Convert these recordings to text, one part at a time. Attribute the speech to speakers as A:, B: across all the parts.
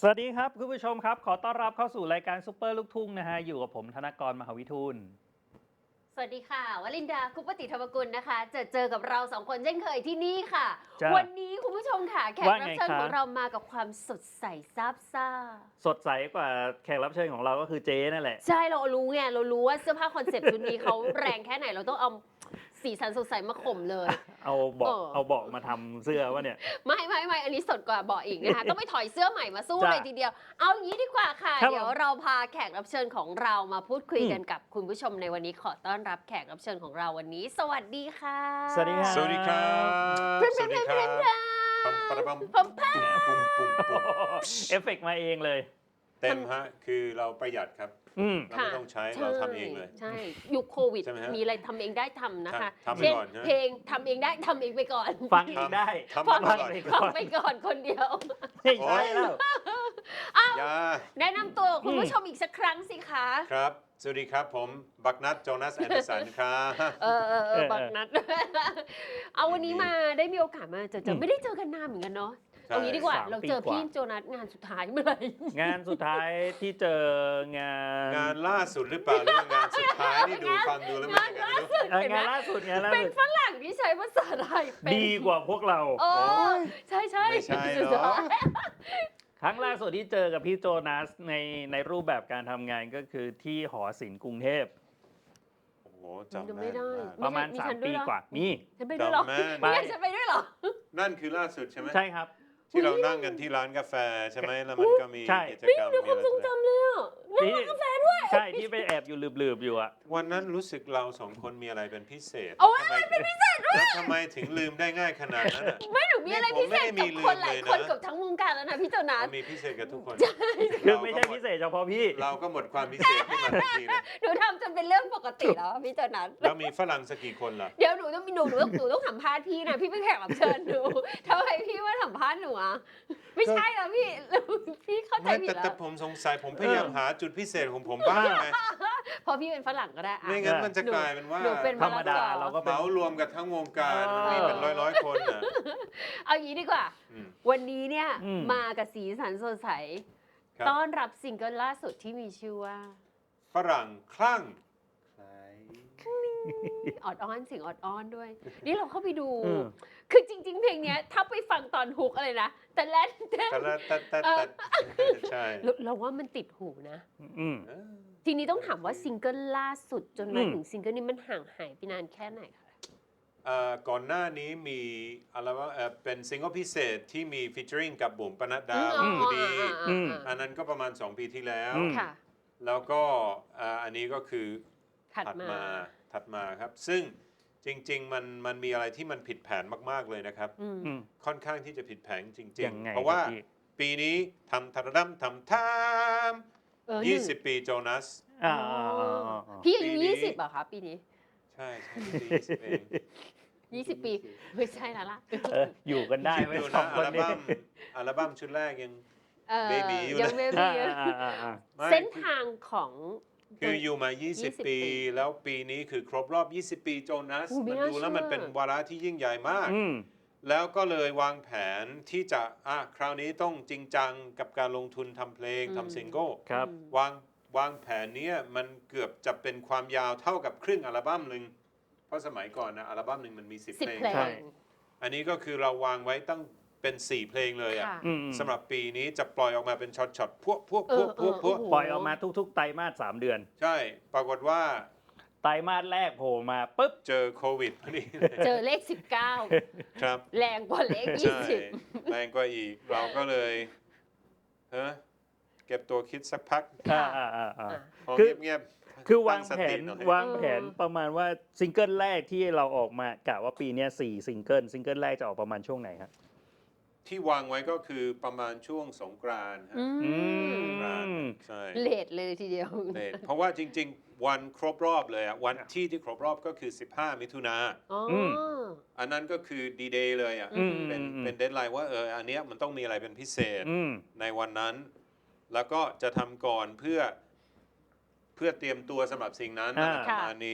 A: สวัสดีครับคุณผู้ชมครับขอต้อนรับเข้าสู่รายการซุปเปอร์ลูกทุ่งนะฮะอยู่กับผมธนกรมหาวิทูล
B: สวัสดีค่ะวลินดาคุปติธรรมกุลนะคะเจอกับเราสองคนเช่นเคยที่นี่ค่ะ
A: จ้า
B: วันนี้คุณผู้ชมค่ะแขก
A: ว่า
B: รั
A: ไง
B: บเชิญ
A: คะ
B: ของเรามากับความสดใสซาบซ่า
A: สดใสกว่าแขกรับเชิญของเราก็คือเจ๊นั่นแหละ
B: ใช่เรารู้ไงเรารู้ว่าเสื้อผ้าคอนเซปต์ชุดนี้เขาแรงแค่ไหนเราต้องเอาสีสันสดใสมาข่มเลย
A: เอาเบาะมาทำเสื้อวะเนี่ย
B: ไม่อันนี้สดกว่าเบาะอีกนะคะ ต้องไปถอยเสื้อใหม่มาสู้
A: จ้ะ
B: เลยทีเดียว เอาอย่างนี้ดีกว่าค่ะ
A: ครับ
B: เดี๋ยวเราพาแขกรับเชิญของเรามาพูดคุยกันกับคุณผู้ชมในวันนี้ขอต้อนรับแขกรับเชิญของเราวันนี้ สวัสดีค่ะ
A: สวัสดีครับ
C: สวัสดีครับ สวัสดีครับปั๊มปั๊มปั๊มปุ่มปุ่มปุ่ม
A: เอฟเฟกต์มาเองเลย
C: เต็มฮะ คือเราประหยัดครับ เราไม่ต้องใช้เราทำเองเลย
B: ใช่ยุคโควิด
C: ใช่ไหมฮะ
B: มีอะไรทำเองได้ทำนะคะ
C: ทำไป
B: เช่น
C: ก่อนนะ
B: เพลงทำเองได้ทำเองไปก่อน
A: ฟังเองได้
C: ทำไปก่อน
B: ฟังไปก่อนคนเดียว
A: ไม่ใช่แล้ว
C: ยา
B: แนะนำตัวคุณผู้ชมอีกสักครั้งสิคะ
C: ครับ สวัสดีครับผมบักนัทโจนาสแอนเดอร์สันครับ
B: บักนัด เอาวันนี้มาได้มีโอกาสมาเจอไม่ได้เจอกันนานเหมือนกันเนาะ
C: ใช่
B: เอางี้ดีกว่า
A: 3
B: เราเจอ
A: ปีกว่า
B: พี่โจนัสงานสุดท้ายเมื่อไหร่
A: งานสุดท้ายที่เจองาน
C: ล่าสุดหรือเปล่าหรือว่างานสุดท้ายนี่ดูฟังดูแล้วมันยังไงไม่รู้
A: งานล่าสุด
B: เป็นฝรั่งที่ใช้ภาษาไทยเป็น
A: ดีกว่าพวกเรา
B: โอ้ใช่
C: ไม่ใช่หรอ
A: ครั้งล่าสุดที่เจอกับพี่โจนัสในรูปแบบการทำงานก็คือที่หอศิลป์กรุงเทพ
C: โอ้โหจำ
B: จำไม่
C: แม่น
B: ได้
C: มาก
A: ประมาณ
B: มีฉัน
A: 3
B: ด้ว
A: ปี
B: ยเหรอ
A: กว่ามี
B: ฉันไปด้วยเหรอ
C: จำแม่น
B: ไม่ฉันไปด้วยเหรอ
C: นั่นคือล่าสุดใช่ไหม
A: ใช่ครับ
C: ที่เรานั่งกันที่ร้านกาแฟใช่ไหมแล้วมันก็มี
A: ใช่
C: กิจกรรมมีอะไร
B: ทรงจำเลยอ่ะ
A: ที่กาแฟด้วยใช่ที่ไปแอบอยู่ลืบๆอยู่อะ
C: วันนั้นรู้สึกเราสองคนมีอะไรเป็นพิเศษ
B: โอ้ย
C: ทำไมเป็นพิเศษด้วยแล้วทำไมถึงลืมได้ง่ายขนาดนั้นอ่ะ
B: ไม่หนูมีอะไรพิเศษ
C: ผมไม่ได้มี
B: กับคนหลาย
C: ลืมเลยนะ
B: คนกับทั้งวงการแล้วนะพี่โจนัส
C: มีพิเศษกับทุกคน
A: คือไม่ใช่พิเศษเฉพาะพี่
C: เราก็หมดความพิเศษขึ้นมาทันทีเลย
B: หนูทำจนเป็นเรื่องปกติแล้วอะพี่โจนัส
C: แล้วมีฝรั่งสักกี่คนล่ะ
B: เดี๋ยวหนูต้องสัมภาษณ์พี่นะพี่เป็นแขกรับเชิญหนูทำไมพี่มาสัมภาษณ์หนูอ่ะไม่ใช่แล้วพี่ พี่เข้าใจ
C: ไม่
B: ผิด
C: แต่
B: แล้ว
C: ผมสงสัยผมพยายามหาจุดพิเศษของผมบ้างไง
B: เพราะพี่เป็นฝรั่งก็ได้อะ
C: ไม่งั้นมันจะกลายเป็นว่า
B: หนูเป็น
A: ธรรมดาเราก็
C: เห
A: เป็น
C: มารวมกับทั้งวงการมันมีเป็นร้อยคนน่ะ
B: เอางี้ดีกว่า
C: อืม
B: วันนี้เนี่ย
A: อืม
B: มากับสีสันสดใส
C: ครับ
B: ต้อนรับซิงเกิลล่าสุดที่มีชื่อว่า
C: ฝรั่งคลั่ง
B: ออดอ้อนเสียงออดอ้อนด้วย นี่เราเข้าไปดู
A: อืม
B: คือจริง ๆ เพลงเนี้ยถ้าไปฟังตอนฮุกอะไรนะ แต่แรก
C: แต่ใช่
B: เราว่ามันติดหูนะ
A: อืม
B: ทีนี้ต้องถามว่าซิงเกิลล่าสุดจนมา
A: อืม
B: ถึงซิงเกิลนี้มันห่างหายไปนานแค่ไหนคะ
C: ก่อนหน้านี้มีอะไรว่าเป็นซิงเกิลพิเศษที่มีฟีเจอริงกับบุ๋มปนัดดา
B: อืม
C: บุดี
A: อืม
C: อันนั้นก็ประมาณ 2 ปีที่แล้ว
A: อืม
B: ค่ะ
C: แล้วก็อันนี้ก็คือ
B: ถัดมา
C: ถัดมาครับ ซึ่งจริงๆมันมีอะไรที่มันผิดแผนมากๆเลยนะครับ
B: อืม
A: อืม
C: ค่อนข้างที่จะผิดแผนจริ
A: ยัง งไง
C: ๆ เพราะว่า
A: ครับพี่
C: ปีนี้ทำทาดัมทำทาม 20 ปีโจนัส
A: อ่า
B: พี่อายุ
C: ปีนี้
B: 20เหรอคะปีนี้
C: ใช่ปี20เอง
B: 20 ปี ไม่ใช่แล้วล่ะ
A: อยู่กันได้
C: คิด
A: ไหม
C: ดู
A: สอ
C: นะ
A: งคนนี้
C: อัลบั้มชุดแรกยัง Baby อยู่
B: ยัง
C: นะ
B: เบ
A: อ่า
B: บีอยู่
A: อ่า
B: เส้นทางของ
C: คืออยู่มา
B: 20
C: 20 ปี แล้วปีนี้คือครบรอบ 20 ปีโจนัส
B: อุ๊ยไม่
C: มัน
B: น่า
C: ดูแล้วมัน
B: เชื่อ
C: เป็นวาระที่ยิ่งใหญ่มาก
A: อืม
C: แล้วก็เลยวางแผนที่จะคราวนี้ต้องจริงจังกับการลงทุนทำเพลงทำซิงเกิล
A: ครับ
C: วางแผนเนี้ยมันเกือบจะเป็นความยาวเท่ากับครึ่งอัลบั้มหนึ่งเพราะสมัยก่อนนะอัลบั้มหนึ่งมันมี 10
B: 10
C: เพลง
B: เพล
A: ใช่
B: ง
C: อันนี้ก็คือเราวางไว้ตั้งเป็น 4 เพลงเลยอ่ะ
B: ค่ะ
A: อืม
C: สำหรับปีนี้จะปล่อยออกมาเป็นช็อตๆพวก
B: เออ
C: โอ้โห
A: ปล่อยออกมาทุกๆไตรมาส3 เดือน
C: ใช่ปรากฏว่า
A: ไตรมาสแรกโผล่มาปุ๊บ
C: เจอโควิดพอดี
B: เจอเลข
C: ครับ
B: 19 แรงกว่าเลข
C: ใช่แรงกว่าอีกเราก็เลยเก็บตัวคิดสักพัก
A: อ่า
C: พอ
A: คือ
C: เงียบๆ
A: คือวาง
C: ตั้ส
A: แผ
C: ติ
A: น
C: หน่อย
A: วางแผนประมาณว่าซิงเกิลแรกที่เราออกมากะว่าปีเนี้ย4 ซิงเกิลแรกจะออกประมาณช่วงไหนครับ
C: ที่วางไว้ก็คือประมาณช่วงสงกรานต์
B: อื
A: อื
B: ม
C: สงกรานต์
A: ม
C: ใช่
B: เลทเลยทีเดียว
C: เลทเพราะว่าจริง ๆ วันครบรอบเลยอ่ะวันที่ครบรอบก็คือ 15 มิถุนา
B: อ๋อ
C: อันนั้นก็คือดีเดย์เลยอ่ะ
A: อืม
C: เป็นเดดไลน์ว่าอันเนี้ยมันต้องมีอะไรเป็นพิเศษ
A: อืม
C: ในวันนั้น แล้วก็จะทำก่อนเพื่อเตรียมตัวสำหรับสิ่งนั้นอะไรประมาณนี้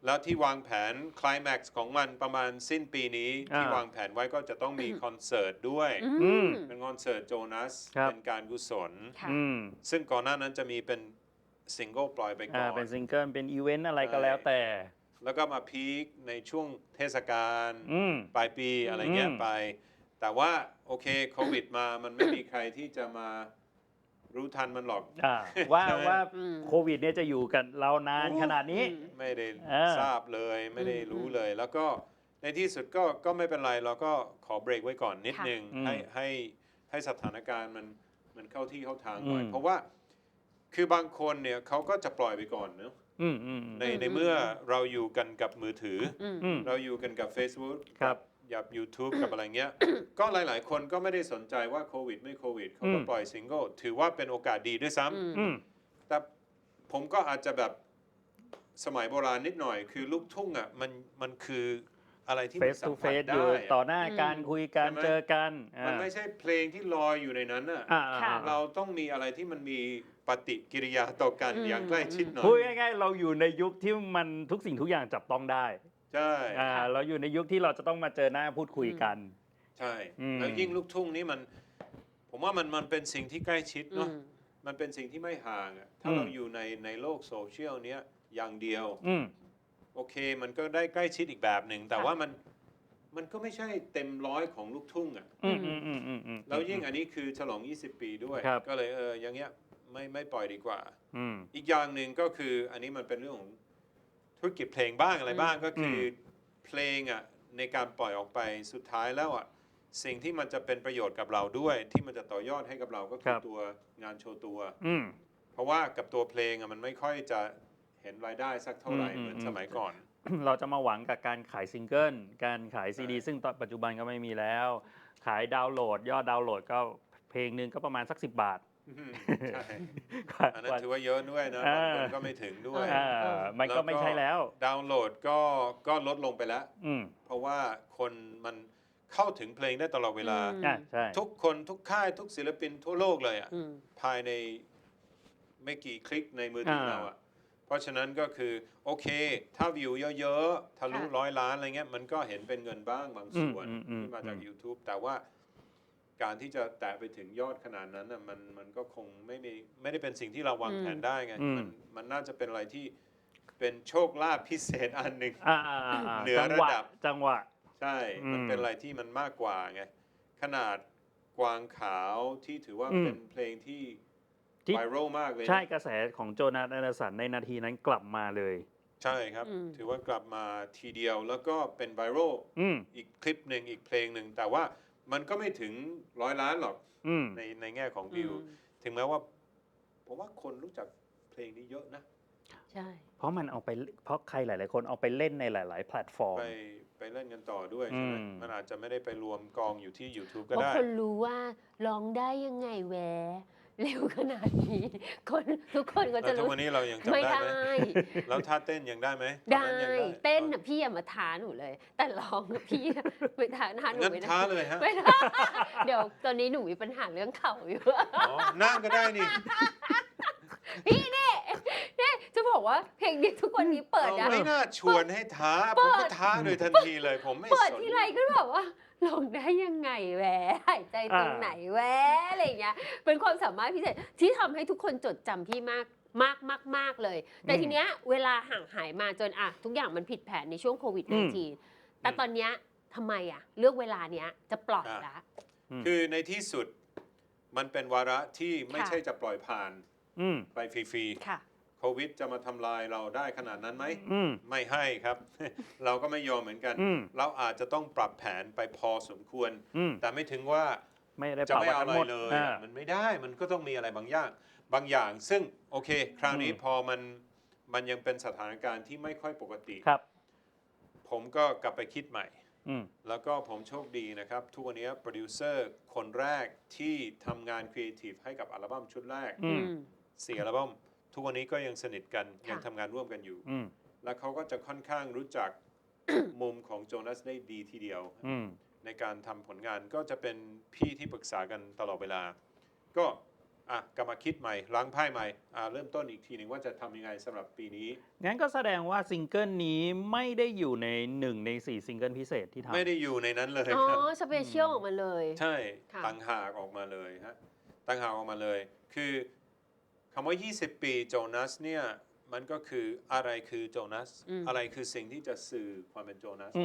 C: แล้วที่วางแผนไคลแม็กซ์ของมันประมาณสิ้นปีนี้ที่วางแผนไว้ก็จะต้องมีคอนเสิร์ตด้วย
B: อืม
C: เป็นคอนเสิร์ตโจนัส
A: ครับ
C: เป็นการกุศล
B: ค่ะ
A: อืม
C: ซึ่งก่อนหน้านั้นจะมีเป็นซิงเกิลปล่อยไปก่อน
A: เป็นซิงเกิลเป็นอีเวนต์อะไรก็แล้วแต่
C: แล้วก็มาพีคในช่วงเทศกาล
A: อืม
C: ปลายปีอะไรเงี้ย
A: อืม
C: ไป แต่ว่าโอเคโควิดมามันไม่มีใครที่จะมารู้ทันมันหรอก
A: ว่า
C: ใช่ไหม
A: ว่า
B: อืม
A: โควิดเนี่ยจะอยู่กันเรานานขนาดนี้
C: ไม่ได้
A: อ่า
C: ทราบเลยไม่ได้รู้เลย แล้วก็ในที่สุดก็ไม่เป็นไรเราก็ขอเบรกไว้ก่อนนิด
B: ค่ะ
C: นึง
A: อืม
C: ให้สถานการณ์มันเข้าที่เข้าทางหน่อย
A: อืม
C: เพราะว่าคือบางคนเนี่ยเขาก็จะปล่อยไปก่อนเนอะ
A: อืมอืม
C: ในเมื่อเราอยู่กันกับมือถืออ
B: อืม
A: อืม
C: เราอยู่กันกับ Facebook
A: ครับ
C: กับ YouTube กับอะไรเงี้ย ก็หลาย ๆ คนก็ไม่ได้สนใจว่าโควิดไม่โควิดเขาก็
A: อืม
C: ปล่อยซิงเกิลถือว่าเป็นโอกาสดีด้วยซ้ำ
A: อืม
C: แต่ผมก็อาจจะแบบสมัยโบราณนิดหน่อย คือลูกทุ่งอ่ะมันคืออะไรที่
A: เฟ
C: มัน
A: ส
C: สั
A: ทู
C: ม
A: เฟ
C: ผัส
A: สอ
C: ได้
A: ยู่
C: อะ
A: ต่อหน้าการคุยกัน
C: ใช่ไหม
A: เจอกัน
C: มันไม่ใช่เพลงที่ลอยอยู่ในนั้นอ่ะ
B: ค่ะ
C: เราต้องมีอะไรที่มันมีปฏิกิริยาต่อกัน
B: อืม
C: อย่างใกล้ชิดหน่อ
A: พูด
C: ย
A: ง่ายๆเราอยู่ในยุคที่มันทุกสิ่งทุกอย่างจับต้องได้
C: ใช่
A: เราอยู่ในยุคที่เราจะต้องมาเจอหน้าพูดคุยกัน
C: ใช่
A: อืม
C: แล้วยิ่งลูกทุ่งนี่ผมว่ามันเป็นสิ่งที่ใกล้ชิด
B: อื
C: เนาะ
B: ม
C: มันเป็นสิ่งที่ไม่ห่างอะถ้า
A: อืม
C: เราอยู่ในโลกโซเชียลเนี้ยอย่างเดียว
A: อืม
C: โอเคมันก็ได้ใกล้ชิดอีกแบบหนึ่ง แต่
B: ค่ะ
C: ว่ามันก็ไม่ใช่เต็มร้อยของลูกทุ่งอ่ะ
A: อืมอืมอืมอืมอืม
C: แล้วยิ่งอันนี้คือฉลอง 20 ปีด้วย
A: ครับ
C: ก็เลยอย่างเงี้ยไม่ปล่อยดีกว่า
A: อืม
C: อีกอย่างหนึ่งก็คืออันนี้มันเป็นเรื่องของธุรกิจเพลงบ้างอะไรบ้างก็คืออเพลงอ่ะในการปล่อยออกไปสุดท้ายแล้วอ่ะสิ่งที่มันจะเป็นประโยชน์กับเราด้วย ที่มันจะต่อยอดให้กับเราก็คือตัวงานโชว์ตัว
A: อืม
C: เพราะว่ากับตัวเพลงอ่ะมันไม่ค่อยจะเห็นรายได้สักเท่าไหร่
A: อืม
C: เหมือน
A: อืม
C: สมัยก่อน
A: เราจะมาหวังกับการขายซิงเกิล การขายซีดี ซึ่งตอนปัจจุบันก็ไม่มีแล้ว ขายดาวน์โหลด ยอดดาวน์โหลดก็เพลงหนึ่งก็ประมาณสัก10 บาท
C: ใช่อันนั้นถือว่าเยอะด้วยนะบางคนก็ไม่ถึงด้วย
A: มันก็ไม่ใช่แล้ว
C: ดาวน์โหลดก็ลดลงไปแล้ว
A: อืม
C: เพราะว่าคนมันเข้าถึงเพลงได้ตลอดเวลา
A: ใช่
C: ทุกคนทุกค่ายทุกศิลปินทั่วโลกเลยอ่ะ
B: อืม
C: ภายในไม่กี่คลิกในมือถือเราอ่ะ เพราะฉะนั้นก็คือโอเค ถ้าวิวเยอะๆทะลุ
B: ค่ะ
C: 100 ล้านอะไรเงี้ยมันก็เห็นเป็นเงินบ้างบางส่วน ที่มาจาก YouTube แต่ว่าการที่จะแตะไปถึงยอดขนาดนั้นน่ะมันก็คงไม่ได้เป็นสิ่งที่เราวางแผนได้ไง มันน่าจะเป็นอะไรที่เป็นโชคลาภพิเศษอันหนึ่ง เหนือระดับ
A: จังหวะ
C: ใช่ มันเป็นอะไรที่มันมากกว่าไง ขนาดกวางขาวที่ถือว่า
A: อืม
C: เป็นเพลงที่
A: ที่
C: ไวรัลมากเลยนะ
A: ใช่กระแสของโจนาธแอนเดอร์สันในนาทีนั้นกลับมาเลย
C: ใช่ครับ
B: อืม
C: ถือว่ากลับมาทีเดียวแล้วก็เป็นไวรัล
A: อืม
C: อีกคลิปหนึ่งอีกเพลงหนึ่งแต่ว่ามันก็ไม่ถึง100 ล้านหรอก
A: อืม
C: ในแง่ของวิว ถึงแม้ว่าผมว่าคนรู้จักเพลงนี้เยอะนะ
B: ใช่
A: เพราะใครหลาย ๆ คนเอาไปเล่นในหลาย ๆ แพลตฟอร์ม
C: ไปเล่นกันต่อด้วยใช่ไหม
A: อืม
C: มันอาจจะไม่ได้ไปรวมกองอยู่ที่ YouTube ก็
B: เพราะ
C: ได้
B: คนรู้ว่าร้องได้ยังไงแหวเร็วขนาดนี้ ทุกคนก็
C: แล้ว
B: จะ
C: ทุก
B: รู้
C: วันนี้เรายังจำ
B: ไม่
C: ได้
B: ได้
C: ไหม แล้วท่าเต้นยังได้ไหมตอน
B: ได้
C: นั้นยัง
B: เต้นน่ะพี่อย่ามาท้าหนูเลย แต่ร้องน่ะพี่ไม่ท้าหนู
C: งั้น
B: ไม่ได้
C: ท้าเลยฮะ
B: ไม่ได้เดี๋ยวตอนนี้หนูมีปัญหาเรื่องเข่าอยู่
C: อ๋อนั่งก็ได้นี่
B: จะบอกว่าเพลงนี้ทุกวันนี้เปิด
C: เรา
B: นะ
C: ไม่น่าชวนให้ท้า
B: เปิ
C: ผม
B: ด
C: ก็ท้าโดยทันทีเลย ผมไม่
B: เปิด
C: สน
B: ทีไรก็แบบว่าร้องได้ยังไงแหวหายใจตรงไหนแหวอะไรอย่างเงี้ยเป็นความสามารถพิเศษที่ทำให้ทุกคนจดจำพี่มากเลย แต่ทีเนี้ยเวลาห่างหายมาจนอะทุกอย่างมันผิดแผนในช่วงโควิด -19 แต่ตอนเนี้ยทำไมอะเลือกเวลาเนี้ยจะปล่อยละ
C: คือในที่สุดมันเป็นวาระที่ไม่
B: ค่ะ
C: ใช่จะปล่อยผ่าน
A: อืม
C: ไปฟรี
B: ค่ะ
C: ๆโควิดจะมาทำลายเราได้ขนาดนั้นไหม
A: อืม
C: ไม่ให้ครับ เราก็ไม่ยอมเหมือนกัน
A: อืม
C: เราอาจจะต้องปรับแผนไปพอสมควร
A: อืม
C: แต่ไม่ถึงว่า
A: ไม่ได้
C: จะ
A: เป่า
C: ไม่
A: วั
C: เอา
A: น
C: อะไร
A: หมด
C: เลย
A: อ่า
C: อะมันไม่ได้ มันก็ต้องมีอะไรบางอย่าง ซึ่งโอเค คราวนี้
A: อืม
C: พอมันยังเป็นสถานการณ์ที่ไม่ค่อยปกติ
A: ครับ
C: ผมก็กลับไปคิดใหม่
A: อืม
C: แล้วก็ผมโชคดีนะครับ ทุกวันนี้โปรดิวเซอร์คนแรกที่ทำงานครีเอทีฟให้กับอัลบั้มชุดแรก
A: อืม
C: 4 อัลบั้มทุกวันนี้ก็ยังสนิทกัน
B: ค่ะ
C: ยังทำงานร่วมกันอยู่
A: อืม
C: แล้วเขาก็จะค่อนข้างรู้จัก มุมของโจนัสได้ดีทีเดียว
A: อืม
C: ในการทำผลงานก็จะเป็นพี่ที่ปรึกษากันตลอดเวลา ก็กลับมาคิดใหม่ล้างไพ่ใหม่เริ่มต้นอีกทีหนึ่งว่าจะทำยังไงสำหรับปีนี้
A: งั้นก็แสดงว่าซิงเกิลนี้ไม่ได้อยู่ใน1 ใน 4ซิงเกิลพิเศษที่ทำ
C: ไม่ได้อยู่ในนั้นเลย
B: อ๋อ
C: ครับ
B: สเปเชียลออกมาเลย
C: ใช่
B: ค่ะ
C: ต่างหากออกมาเลยฮะต่างหากออกมาเลย คือคำว่า 20 ปีโจนัสเนี่ยมันก็คืออะไรคือโจนัสอะไรคือสิ่งที่จะสื่อความเป็นโจนัส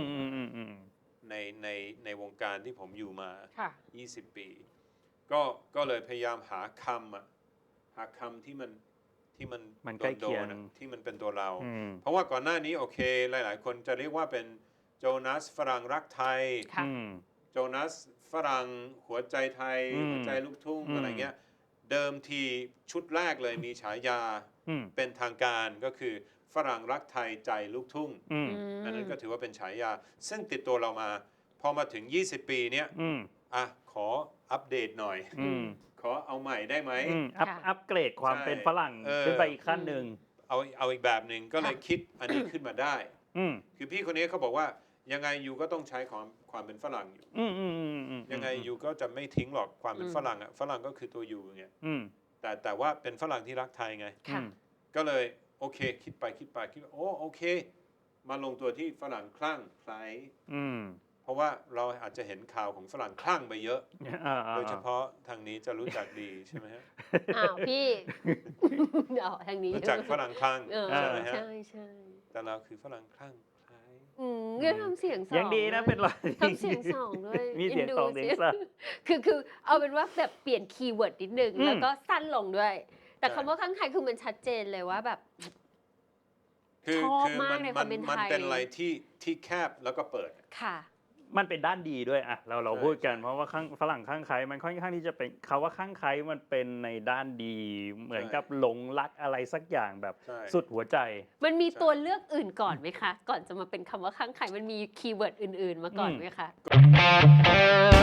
C: ในวงการที่ผมอยู่มา
B: ค่ะ
C: 20 ปี ก็เลยพยายามหาคำที่มัน
A: ใกล้เคียง
C: โดนๆที่มันเป็นตัวเรา
A: อืม
C: เพราะว่าก่อนหน้านี้โอเคหลายๆ คนจะเรียกว่าเป็นโจนัสฝรั่งรักไทย
B: ค่ะ
C: โจนัสฝรั่งหัวใจไทย หัวใจลูกทุ่งอะไรเงี้ยเดิมทีชุดแรกเลยมีฉายาเป็นทางการก็คือฝรั่งรักไทยใจลูกทุ่งอันนั้นก็ถือว่าเป็นฉายาซึ่งติดตัวเรามาพอมาถึง 20 ปีเนี้ยขออัปเดตหน่อยขอเอาใหม่ได้ไหม
A: อัปเกรดความ
C: ใช่
A: เป็นฝรั่งขึ้นไปอีกขั้นหนึ่ง
C: เอาอีกแบบหนึ่งก็เลยคิดอันนี้ขึ้นมาได้คือพี่คนนี้เขาบอกว่ายังไงยูก็ต้องใช้ความเป็นฝรั่งอยู่ยังไงยูก็จะไม่ทิ้งหรอกความเป็นฝรั่งฝรั่งก็คือตัวยูไงแต่ว่าเป็นฝรั่งที่รักไทยไงก็เลยโอเคคิดไปโอเคมาลงตัวที่ฝรั่งคลั่งไคล้เพราะว่าเราอาจจะเห็นข่าวของฝรั่งคลั่งไปเยอะโดยเฉพาะทางนี้จะรู้จักดีใช่ไหมฮะ
B: อ้าวพี่ ทางนี้
C: รู้จักฝรั่งคลั่งใช่ไหมฮะ
B: ใช่
C: แต่เราคือฝรั่งคลั่งไคล้
B: งั้นทำเสียงสอง
A: ยังดีนะเป็นรอย
B: ทำเสียงสองด้วย
A: มีเสียงสองเสียงสาม
B: คือเอาเป็นว่าแบบเปลี่ยนคีย์เวิร์ดนิดนึงแล้วก็สั้นลงด้วย แต่
C: ใช่
B: คำว่าข้างไทยคือมันชัดเจนเลยว่าแบบ
C: คือ
B: ชอบ
C: คือ
B: มากในความเป็นไทย
C: มันเป็นอะไรที่แคบแล้วก็เปิด
B: ค่ะ
A: มันเป็นด้านดีด้วยอะเรา
C: ใช่
A: พูดกัน
C: ใช่
A: เพราะว่าฝรั่งข้างใครมันค่อนข้างที่จะเป็นคำว่าข้างใครมันเป็นในด้านดี เหมือนกับหลงรักอะไรสักอย่างแบบ
C: ใช่
A: สุดหัวใจ
B: มันมีตัวเลือกอื่นก่อนไหมคะ ก่อนจะมาเป็นคำว่าข้างไข่มันมีคีย์เวิร์ดอื่นๆมาก่อนไหมคะ